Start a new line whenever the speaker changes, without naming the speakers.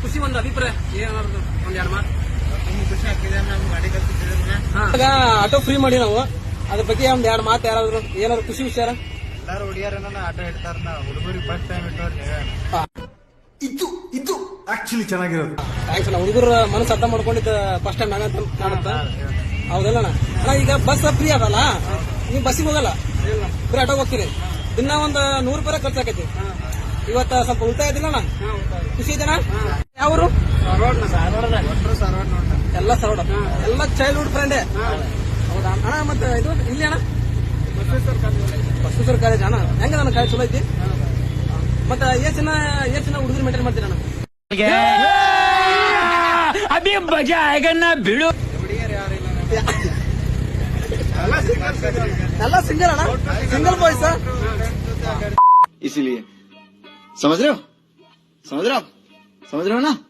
ಖುಷಿ ಒಂದು ಅಭಿಪ್ರಾಯ ಏನಾದ್ರು ಒಂದ್ ಎರಡು ಮಾತು.
ಖುಷಿ ಆಗ್ತಿದೆ. ನಮ್ ಗಾಡಿ ಕಲ್ತಿದ್ರೆ
ಈಗ ಆಟೋ ಫ್ರೀ ಮಾಡಿ ನಾವು ಅದ್ರ ಬಗ್ಗೆ ಒಂದ್ ಎರಡು ಮಾತು ಯಾರಾದ್ರು ಏನಾದ್ರು ಖುಷಿ ವಿಚಾರ.
ಎಲ್ಲಾರು ಹುಡುಗಿಯರ ಆಟೋ ಇಡ್ತಾರ. ಹುಡುಗರಿಗೆ ಫಸ್ಟ್ ಟೈಮ್ ಇಟ್ಟವ್ರಿ.
ಇದು ಆಕ್ಚುಲಿ ಚೆನ್ನಾಗಿರೋದು.
ಥ್ಯಾಂಕ್ಸ್ ಅಣ್ಣ. ಹುಡುಗರ ಮನಸ್ಸು ಅರ್ಥ ಮಾಡ್ಕೊಂಡಿದ್ದ ಫಸ್ಟ್ ಟೈಮ್ ನಾನಂತ ಕಾಣುತ್ತ. ಹೌದಲ್ಲ ಅಣ್ಣ. ಈಗ ಬಸ್ ಫ್ರೀ ಅದಲ್ಲ, ನೀವು ಬಸ್ಸಿಗೆ ಹೋಗಲ್ಲ, ಬರೀ ಆಟೋಗೆ ಹೋಗ್ತೀರಿ. ದಿನ ಒಂದು 100 ರೂಪಾಯಿ ಖರ್ಚಾಕೈತಿ. ಇವತ್ತ ಸ್ವಲ್ಪ ಉಳಿತಾಯ ಇದಿಲ್ಲ ಅಣ್ಣ. ಖುಷಿ ಇದೆನಾ? ಯಾವರು? ಎಲ್ಲ ಸರವಡ, ಎಲ್ಲ ಚೈಲ್ಡ್ಹುಡ್ ಫ್ರೆಂಡೇ. ಹೌದಾ ಅಣ್ಣ. ಮತ್ತೆ ಇದು ಇಲ್ಲಿ ಅಣ್ಣ ಬಸವೇಶ್ವರ ಕಾಲೇಜ್ ಅಣ್ಣ. ಹೆಂಗ ನನ್ನ ಕಾಲೇಜ್ ಚಲೋ ಐತಿ. ಮತ್ತೆ ಏನ್ ಜನ ಹುಡುಗರು ಮೇಂಟೈನ್ ಮಾಡ್ತೀರ ಅಣ್ಣ?
ಅಭಿ ಮಜಾ ಆಗ ಬಿಡು.
ಹುಡುಗಿಯರು ಯಾರಿಲ್ಲ.
ಎಲ್ಲ ಸಿಂಗಲ್ ಅಣ್ಣ, ಸಿಂಗಲ್ ಬಾಯ್ಸ್.
इसीलिए समझ रहे हो ना.